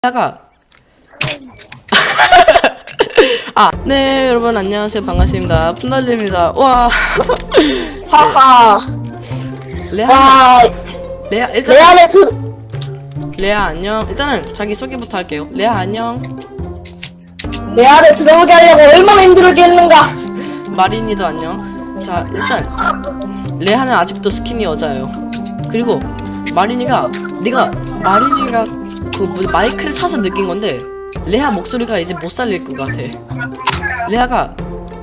다가 네 여러분 안녕하세요 반갑습니다 푼달리입니다. 와 하하. 레아 와, 레아 일단 레알의 레아 안녕. 일단은 자기 소개부터 할게요. 레아 안녕. 레알을 들어오게 하려고 얼마나 힘들겠는가. 마린이도 안녕. 자 일단 레아는 아직도 스키니 여자예요. 그리고 마린이가 그 마이크를 사서 느낀 건데 레아 목소리가 이제 못 살릴 것 같아. 레아가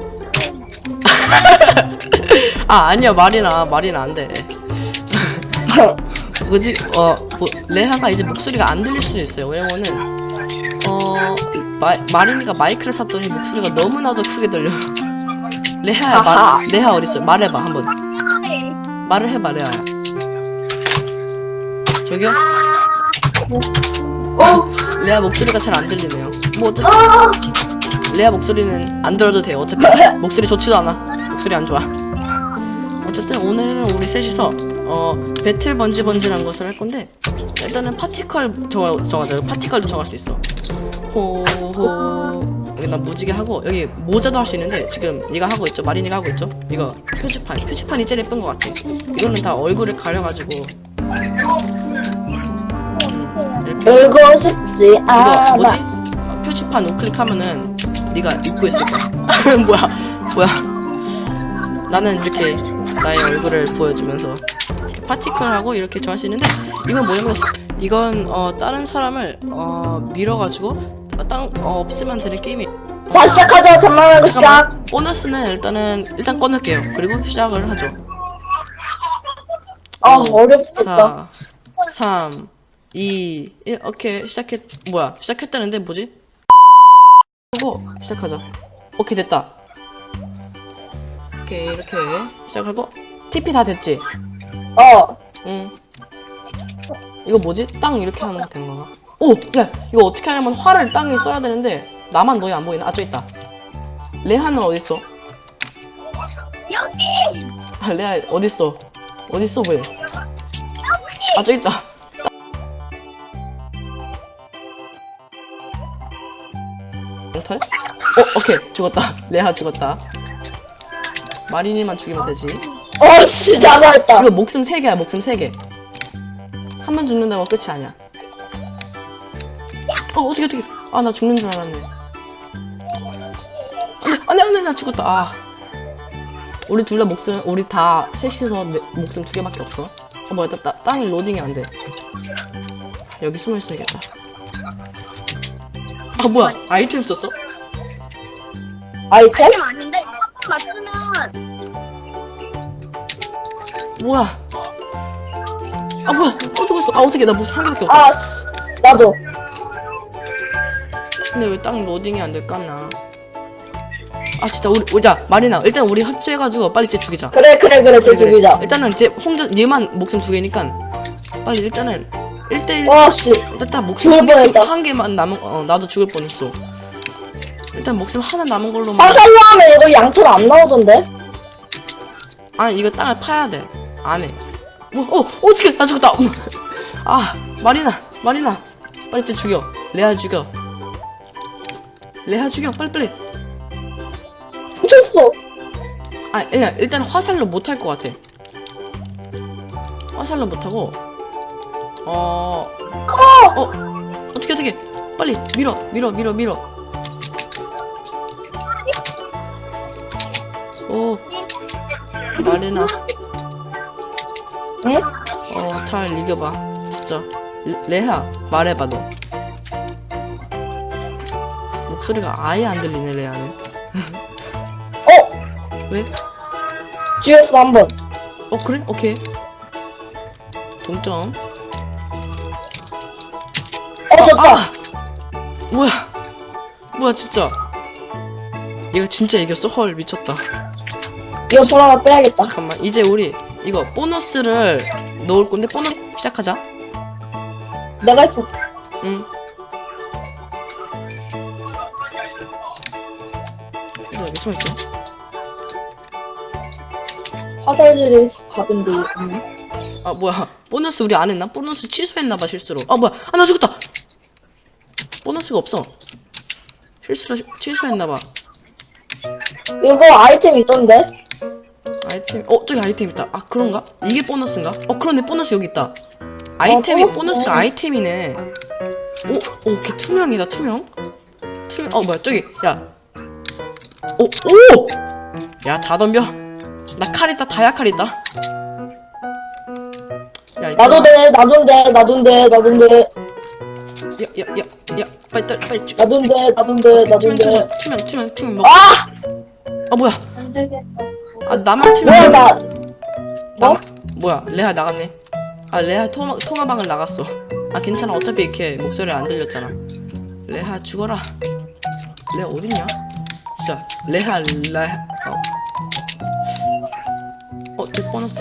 아니야 마린아 안돼. 뭐지? 레아가 이제 목소리가 안 들릴 수 있어요. 왜냐면은 마린이가 마이크를 샀더니 목소리가 너무나도 크게 들려. 레아야 레아 어딨어? 말해봐 한번. 말을 해봐 레아야. 저기요? 레아 목소리가 잘 안 들리네요. 뭐 어차피 레아 목소리는 안 들어도 돼요. 어차피 목소리 좋지도 않아. 목소리 안 좋아. 어쨌든 오늘은 우리 셋이서 배틀 번지라는 것을 할 건데 일단은 파티컬 정하자. 파티컬도 정할 수 있어. 호호. 여기 나 무지개 하고 여기 모자도 할 수 있는데 지금 얘가 하고 있죠. 마린이가 하고 있죠. 이거 표지판이 제일 예쁜 것 같아. 이거는 다 얼굴을 가려가지고 이렇게 울고 싶지 이거 않아. 뭐지? 표지판 우클릭하면은 네가 입고 있을 거야. 뭐야? 나는 이렇게 나의 얼굴을 보여주면서 이렇게 파티클하고 이렇게 좋아할 수 있는데 이건 뭐냐면 이건 다른 사람을 밀어가지고 없으면 되는 게임이. 자, 시작하죠. 잠만 말고 시작. 보너스는 일단 꺼낼게요. 그리고 시작을 하죠. 어렵겠다. 4 3 2 1 오케이 시작했다는데 뭐지? 하고 시작하자. 오케이 됐다. 오케이 이렇게 시작하고 TP 다 됐지? 응. 이거 뭐지? 땅 이렇게 하면 되는 건가? 오! 야! 이거 어떻게 하냐면 활을 땅에 써야 되는데 나만 너희 안 보이나? 아 저기 있다. 레아는 어딨어? 여기! 레아 어딨어? 왜? 아 저기 있다. 털? 오케이 죽었다. 레아 죽었다. 마린이만 죽이면 되지. 진짜 잘했다. 이거 목숨 3개야. 목숨 3개. 한 번 죽는다고 끝이 아니야. 어떻게 나 죽는 줄 알았네. 안돼 나 죽었다. 우리 둘 다 우리 다 셋이서 목숨 2개밖에 없어. 뭐야 땅이 로딩이 안돼. 여기 숨어 있어야겠다. 뭐야 아이템 썼어? 아이템? 아닌데 맞추면 뭐야 뭐야 또 죽었어. 어떻게 나 무슨 한 개밖에 없어. 나도. 근데 왜 땅 로딩이 안 될까 나. 진짜 자 마리나 일단 우리 합체해가지고 빨리 쟤 죽이자. 그래 쟤 죽이자. 일단은 쟤 혼자 얘만 목숨 2개니까 빨리 일단은 1대1. 일단 딱 목숨 죽을 뻔했다. 한 개만 남은 나도 죽을 뻔했어. 일단 목숨 하나 남은 걸로만. 화살로 하면 이거 양털 안 나오던데? 이거 땅을 파야 돼. 안 해. 어떡해 나 죽었다. 마리나 빨리 쟤 죽여. 레아 죽여 빨리. 미쳤어. 그냥 일단 화살로 못 할 것 같아. 화살로 못 하고 어떻게 빨리 밀어. 마리나. 응? 잘 이겨봐 진짜. 레아 말해봐 너. 목소리가 아예 안 들리네 레아는. 왜? 죽였어 한 번. 그래? 오케이. 동점. 졌다. 뭐야 진짜. 얘가 진짜 이겼어? 헐 미쳤다. 이거 돈 하나 빼야겠다. 잠깐만 이제 우리 이거 보너스를 넣을 건데 보너스 시작하자. 내가 했어. 응. 여기 숨어있죠? 화살질이 갑인데. 뭐야 보너스 우리 안 했나? 보너스 취소했나봐 실수로. 뭐야 나 죽었다. 보너스가 없어. 취소했나봐. 이거 아이템 있던데? 아이템 저기 아이템 있다. 아 그런가? 이게 보너스인가? 그러네. 보너스 여기 있다. 아이템이 보너스. 보너스가 아이템이네. 걔 투명이다. 투명. 뭐야 저기 야. 야 다 덤벼. 나 칼 있다. 다이아 칼 있다. 야 나도 돼, 나돈데. 야 빨리 나돈데. 투명 먹어. 뭐야? 안 되겠다. 나만 뭐야, 투명. 뭐? 뭐야 레아 나갔네. 레아 통화방을 나갔어. 괜찮아. 어차피 이렇게 목소리 안 들렸잖아. 레아 죽어라. 레아 어딨냐? 진짜 레아 저 보너스.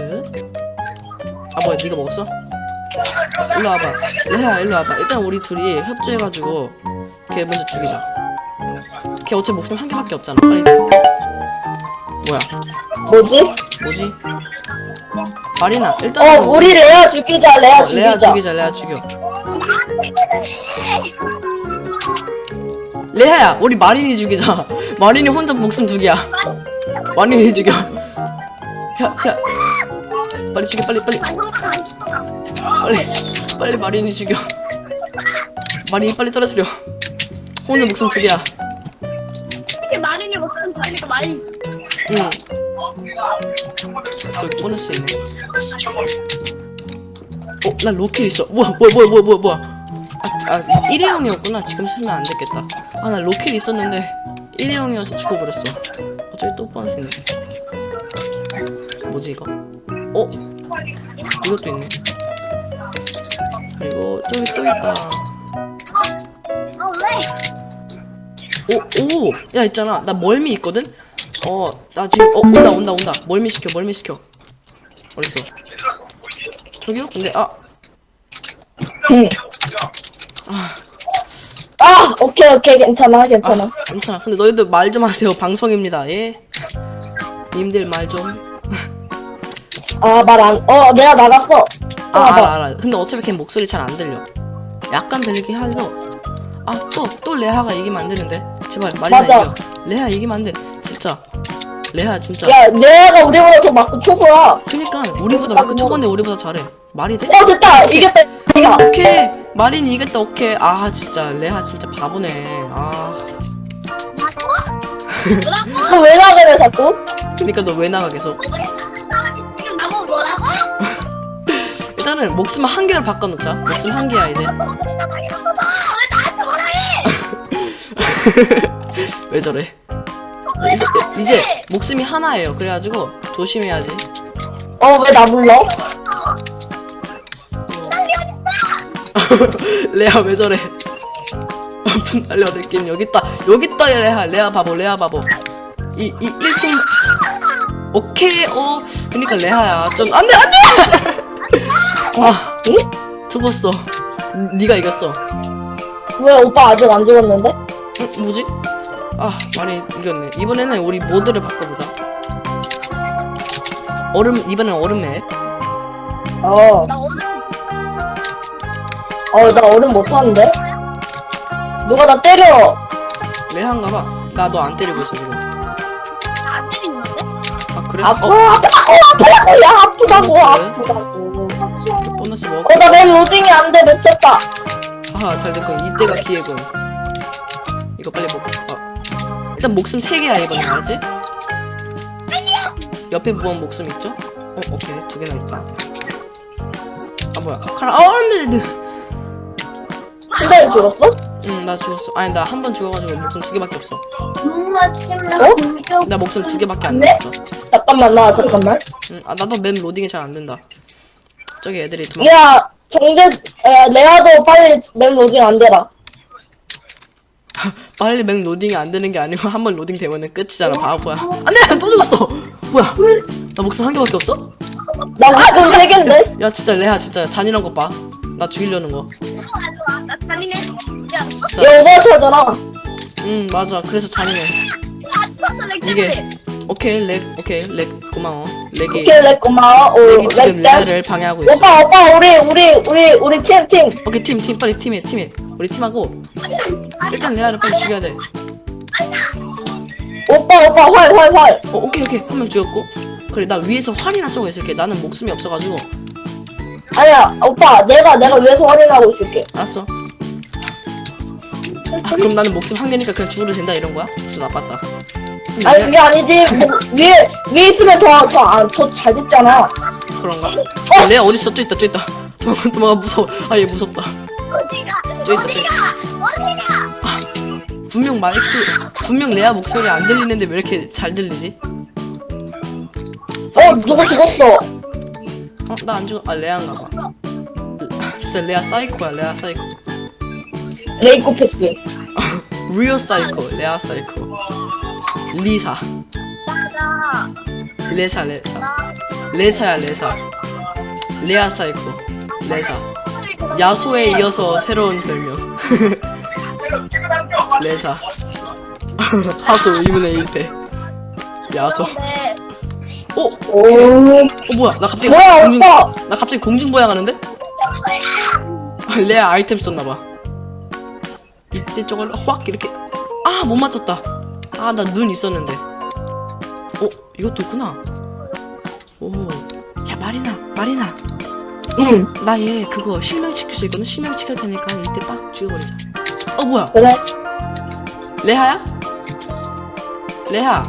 뭐야 네가 먹었어? 일로 와봐. 레아 일로 와봐. 일단 우리 둘이 협조해가지고 걔 먼저 죽이자. 걔 어차피 목숨 한 개밖에 없잖아. 빨리. 뭐야? 뭐지? 마리나 일단 우리 레아 죽이자. 레아 죽여. 레아야 우리 마린이 죽이자. 마린이 혼자 목숨 2개야. 마린이 죽여. 야 빨리 죽여. 빨리 마린이 죽여. 마린이 빨리 떨어뜨려. 혼자 목숨 2개야. 이렇게 마린이 목숨 자니까 마린이 응. 여기 보너스 있네. 나 로켓 있어. 뭐야. 일회용이었구나. 지금 쓰면 안 됐겠다. 나 로켓 있었는데 일회용이어서 죽어버렸어. 저기 또 보너스 있네. 뭐지 이거? 이것도 있네. 그리고 저기 또 있다. 야 있잖아. 나 멀미 있거든. 나 지금 온다. 멀미 시켜. 어딨어? 저기요? 근데 응. 오케이, 괜찮아. 괜찮아. 근데 너희들 말 좀 하세요. 방송입니다. 예? 님들 말 좀. 내가 나갔어. 알아. 근데 어차피 걔 목소리 잘 안 들려. 약간 들리긴 하죠. 또 레아가 이기면 안 되는데. 제발 마리나 맞아. 이겨. 레아 이기면 안 돼. 진짜. 레아 진짜. 야, 레아가 우리보다 더 마크 초보야. 그니까 우리보다 마크 초반데 우리보다 잘해. 말이 돼? 됐다. 이겼다. 오케이. 마린이 이겼다. 오케이. 진짜 레아 진짜 바보네. 너 왜 나가래 자꾸? 그니까 너 왜 나가 계속? 지금 나보고 뭐라고? 일단은 목숨 1개로 바꿔놓자. 목숨 1개야 이제. 왜 저래? 이제 목숨이 하나예요. 그래가지고 조심해야지. 왜 나 불러? 레아 왜 저래? 분달려 느낌 여기 있다 레아 바보. 이 1등 오케이. 그니까 레아야 좀 안돼. 응? 죽었어. 네가 이겼어. 왜 오빠 아직 안 죽었는데? 뭐지? 많이 이겼네. 이번에는 우리 모드를 바꿔보자. 이번엔 얼음 맵. 나 오늘 나 얼음 못하는데? 누가 나 때려. 레아인가봐. 나 너 안 때리고 있어 지금. 안 때리는데? 그래? 아프다고. 보너스 먹어. 나 맨 로딩이 안 돼. 미쳤다. 잘 됐군. 이때가 기회군. 이거 빨리 먹고. 일단 목숨 3개야 이번에. 알았지? 옆에 보면 목숨 있죠? 오케이. 2개나 있다. 뭐야. 안돼. 근데 죽었어? 응, 나 죽었어. 나 한 번 죽어가지고 목숨 2개밖에 없어. 나 목숨 2개밖에 안 남았어. 잠깐만. 나도 맵 로딩이 잘 안 된다. 저기 애들이 야, 레아도 빨리 맵 로딩 안 되라. 빨리 맵 로딩이 안 되는 게 아니고 한 번 로딩 되면은 끝이잖아. 바보야. 안돼. 또 죽었어. 뭐야? 나 목숨 1개밖에 없어? 나 목숨 3개인데? 야 진짜 레아 진짜 잔인한 거 봐. 나 죽이려는 거. 나 잔인해. 야, 진짜. 얘 오버워치잖아. 맞아. 그래서 잔인해. 이게 오케이 렉 고마워. 렉이 오케이, 렉 고마워. 지금 레아를 방해하고 있어. 오빠, 우리 팀. 오케이 팀 빨리 팀해. 우리 팀하고 일단 레아를 빨리 죽여야 돼. 오빠 활. 오케이 한 명 죽였고. 그래 나 위에서 활이나 쏘고 있을게. 나는 목숨이 없어가지고. 아니야 오빠 내가 위에서 확인하고 있을게. 알았어. 아, 그럼 나는 목숨 한 개니까 그냥 죽어도 된다 이런 거야? 진짜 나빴다. 근데 아니 그게 아니지. 뭐, 위에 있으면 더 잘 집잖아. 그런가? 레아 어딨어? 저 있다. 도망가 무서워. 아 얘 무섭다. 저 있다. 분명 레아 목소리 안 들리는데 왜 이렇게 잘 들리지? 누가 죽었어? 나 안 죽어. 아 레아인가 봐. 진짜 레아 사이코야. 레아 사이코. 레이코패스. 리얼 사이코. 레아 사이코. 리사. 레사야. 레아 사이코. 레사. 야소에 이어서 새로운 별명. 레사. 하소 2분의 1패. 야소. 오. 뭐야? 나 갑자기 뭐야 오빠? 나 갑자기 공중부양하는데? 레아 아이템 썼나봐. 이때 저걸 확 이렇게. 아 못 맞췄다. 아 나 눈 있었는데. 이것도 있구나. 야 마리나. 응. 나 얘 그거 실명시킬 수 있거든. 실명시킬 테니까 이때 빡 죽여버리자. 뭐야? 그래. 레하야? 레하.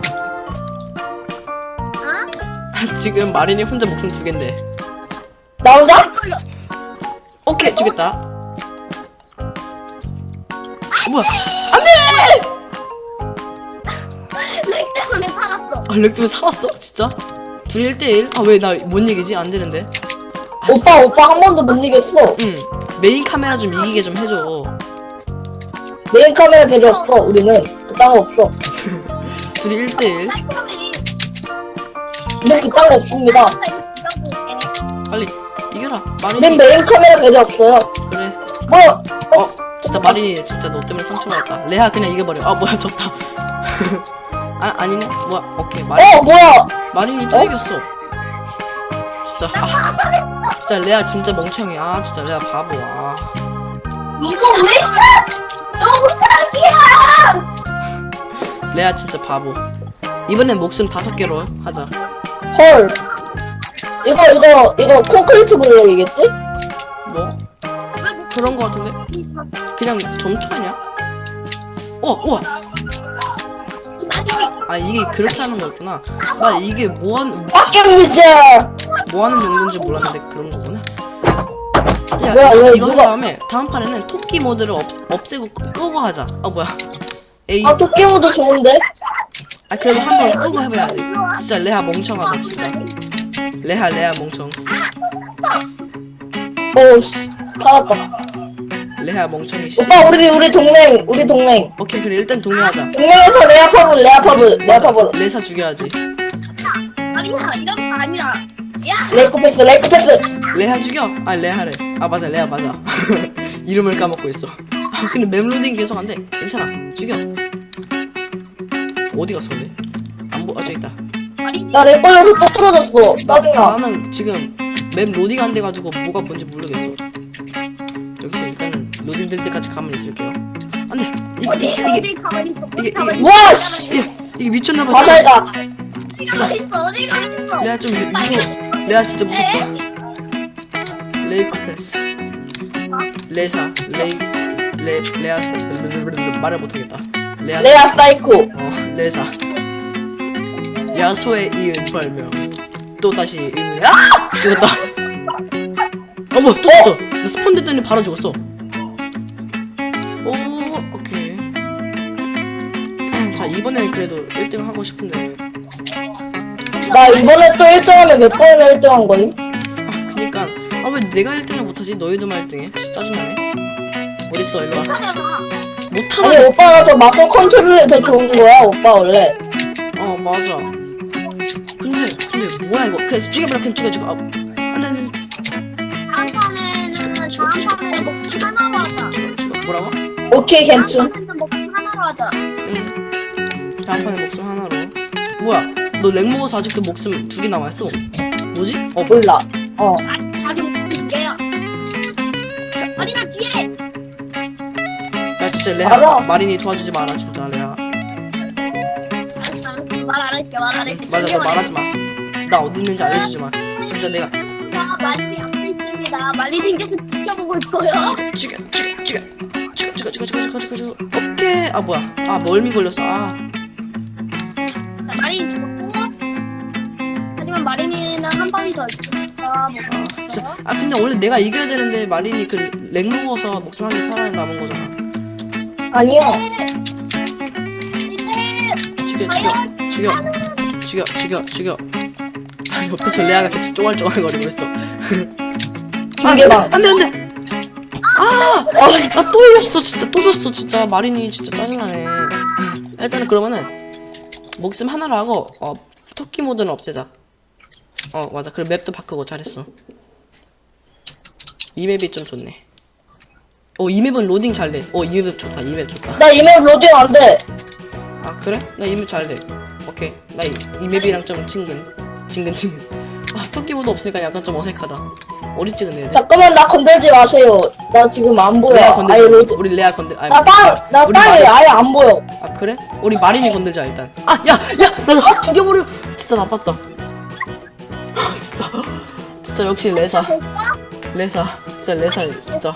지금 마린이 혼자 목숨 2개인데. 나 혼자? 오케이 죽였다. 뭐야? 렉 때문에 살았어. 렉 때문에 살았어? 진짜? 둘이 1대1? 아 왜 나 뭔 얘기지? 안 되는데. 오빠 한 번도 못 이겼어. 응. 메인 카메라 좀 이기게 좀 해줘. 메인 카메라 별로 없어. 우리는 그딴 거 없어. 둘이 1대1. 우리 그딴 거 없습니다. 빨리 이겨라. 우린 마린이. 메인 카메라 별로 없어요. 그래. 뭐야? 진짜 마린이 진짜 너 때문에 상처받았다. 레하 그냥 이겨버려. 아 뭐야 졌다. 아니네. 뭐야? 오케이 뭐야? 마린이 또 이겼어. 진짜 진짜 레아 진짜 멍청해. 아 진짜 레아 바보야. 이거 왜 사? 너무 사기야. 레아 진짜 바보. 이번엔 목숨 5개로 하자. 헐. 이거 콘크리트 블록이겠지? 뭐? 그런 거 같은데? 그냥 점토 아니야? 우와! 아 이게 그렇게 하는 거였구나. 나 이게 뭐하는 용도인지 몰랐는데 그런 거구나. 야 왜, 이거 한 누가- 다음 판에는 토끼 모드를 없애고 끄고 하자. 뭐야? 에이. 토끼 모드 좋은데? 그래도 한 번 끄고 해봐야지. 진짜 레아 멍청하다 진짜. 레아 멍청. 씨. 살았다. 레아 멍청이 씨. 오빠 우리 동맹. 오케이 그래 일단 동의하자. 동맹에서 레아 파브. 레사 죽여야지. 아니야 이런 거 아니야. 레이코패스. 레아 죽여. 레아래. 맞아 레아 맞아. 이름을 까먹고 있어. 근데 맵로딩 계속 안 돼. 괜찮아. 죽여. 어디 갔어 근데? 저기 있다. 나 렉 걸려서 또 떨어졌어. 짜증나. 나는 지금 맵 로딩 안 돼가지고 뭐가 뭔지 모르겠어. 여기서 일단은 로딩 될 때까지 가만히 있을게요. 안돼. 이게 와 씨. 이게 미쳤나봐. 바다이다. 진짜. 어디 가? 레아 좀 무서워. 레아 진짜 무섭다. 레이코패스. 레사. 레아스. 말을 못하겠다. 레아 사이코. 레사. 야소에 이은 별명. 또 다시 의문이야? 죽었다. 뭐야 또 죽었어. 나 스폰 됐더니 바로 죽었어. 오케이. 자 이번에 그래도 1등 하고 싶은데. 나 이번에 또 1등하면 몇 번이나 1등한 거임? 그니까 왜 내가 1등을 못하지? 너희들만 1등해? 진짜 짜증나네. 어딨어 일로와. 못하는. 아니 오빠가 더 마커 컨트롤이 더 좋은 거야 오빠 원래. 맞아. 근데 뭐야 이거? 그냥 죽여버려. 그냥 죽여. 안돼. 다음 판에는 하나로 하자. 죽어. 뭐라고? 오케이 괜찮. 하나로 하자. 응. 다음 판에 목숨 하나로. 뭐야? 너 렉 먹어서 아직도 목숨 2개 남아있어? 뭐지? 몰라. 자기 볼게요. 아니 나 뒤에. 진짜 레아 알아. 마린이 도와주지 마라 진짜 레아. 알았어. 말 안 할게, 말 안 할게. 맞아 너 말하지 마. 나 어디 있는지 알려주지 마. 진짜 내가 자, 마린이 앞에 있습니다. 마린이께서 지켜보고 있고요. 죽여. 오케이. 아 뭐야? 아 멀미 걸렸어. 아 자, 마린이 죽었고. 하지만 마린이는 한 방이 더 있으니까 뭐. 진짜. 아 근데 원래 내가 이겨야 되는데 마린이 그렉 먹어서 목숨 한 개 살아남은 거잖아. 아니야. 죽여. 아, 옆에서 레아가 계속 쫑알쫑알거리고 있어. 중계방. 안돼. 아, 나 또 이겼어 진짜. 또 졌어 진짜. 마린이 진짜 짜증나네. 일단은 그러면은 목숨 하나로 하고 토끼 모드는 없애자. 맞아. 그리고 맵도 바꾸고 잘했어. 이 맵이 좀 좋네. 이 맵은 로딩 잘 돼. 이 맵 좋다. 이 맵 좋다. 나 이메일 로딩 안 돼. 아 그래? 나 이 맵 잘 돼. 오케이. 나 이 맵이랑 좀 친근. 아 토끼 모드 없으니까 약간 좀 어색하다. 어리 찍은 애들. 잠깐만 나 건들지 마세요. 나 지금 안 보여. 레아 아예 건들자. 로딩. 우리 레아 건들. 아니, 나 우리 땅에 마린. 아예 안 보여. 아 그래? 우리 마린이 건들자 일단. 야, 나를 확 죽여버려. 진짜 나빴다. 진짜 역시 레사. 진짜 레사 진짜.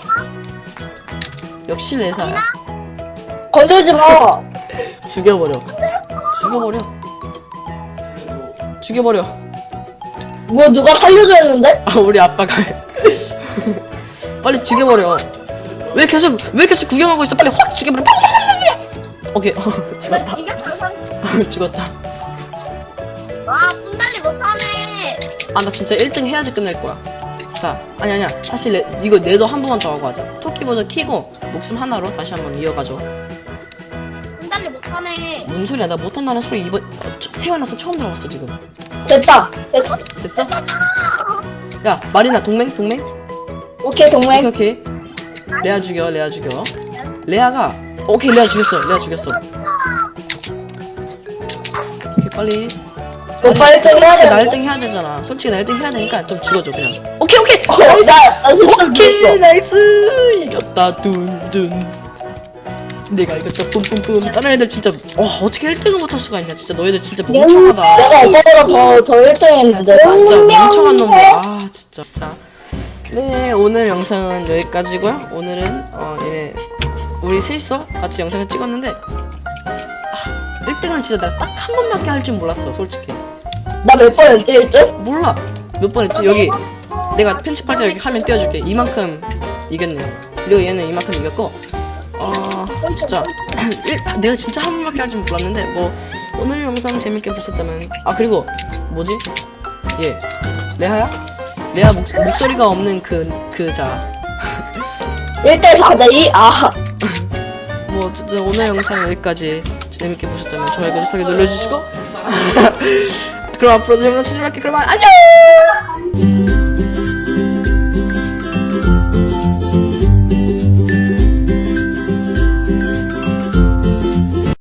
역시 레사야. 건들지 마. 죽여버려. 뭐 누가 살려줘 했는데? 아 우리 아빠가 빨리 죽여버려. 왜 계속 구경하고 있어? 빨리 확 죽여버려. 빨리. 오케이. 죽었다. 죽었다. 와, 분달리 못하네. 아 나 진짜 1등 해야지 끝낼 거야. 자 아니야 사실 이거 내도 한 번만 더 하고 하자. 토끼보다 키고 목숨 하나로 다시 한번 이어가죠. 분달리 못하네. 뭔 소리야? 나 못한다는 소리 이번 태어나서 처음 들어봤어 지금. 됐어. 됐어? 야 마리나 동맹? 오케이 동맹. 오케이. 레아 죽여. 레아가 오케이 레아 죽였어. 오케이 빨리. 오빠 1등 해야 나 돼. 1등 해야 되잖아. 솔직히 나 1등 해야 되니까 좀 죽어줘 그냥. 오케이. 나 진짜 오케이 죽였어. 나이스. 이겼다 둔둔. 내가 이겼다 뿜뿜뿜. 다른 애들 진짜 어떻게 1등을 못할 수가 있냐. 진짜 너희들 진짜 멍청하다. 내가 오빠보다 더 1등 했는데. 진짜 멍청한 놈들. 아 진짜. 자, 네 오늘 영상은 여기까지고요. 오늘은 예 우리 셋이서 같이 영상을 찍었는데 1등은 진짜 내가 딱 한 번밖에 할 줄 몰랐어 솔직히. 나 몇 번 했지 1등? 몰라 몇 번 했지. 여기 내가 편집할 때 여기 화면 띄워줄게. 이만큼 이겼네. 그리고 얘는 이만큼 이겼고 진짜 내가 진짜 한 번밖에 할 줄 몰랐는데 뭐 오늘 영상 재밌게 보셨다면 그리고 뭐지? 얘 레아야? 레아 목소리가 없는 자 1대 4대 2? 뭐 어쨌든 오늘 영상 여기까지. 재밌게 보셨다면 좋아요 구독하기 눌러주시고 그럼 앞으로도 재밌는 찾아뵐게요. 그럼 안녕.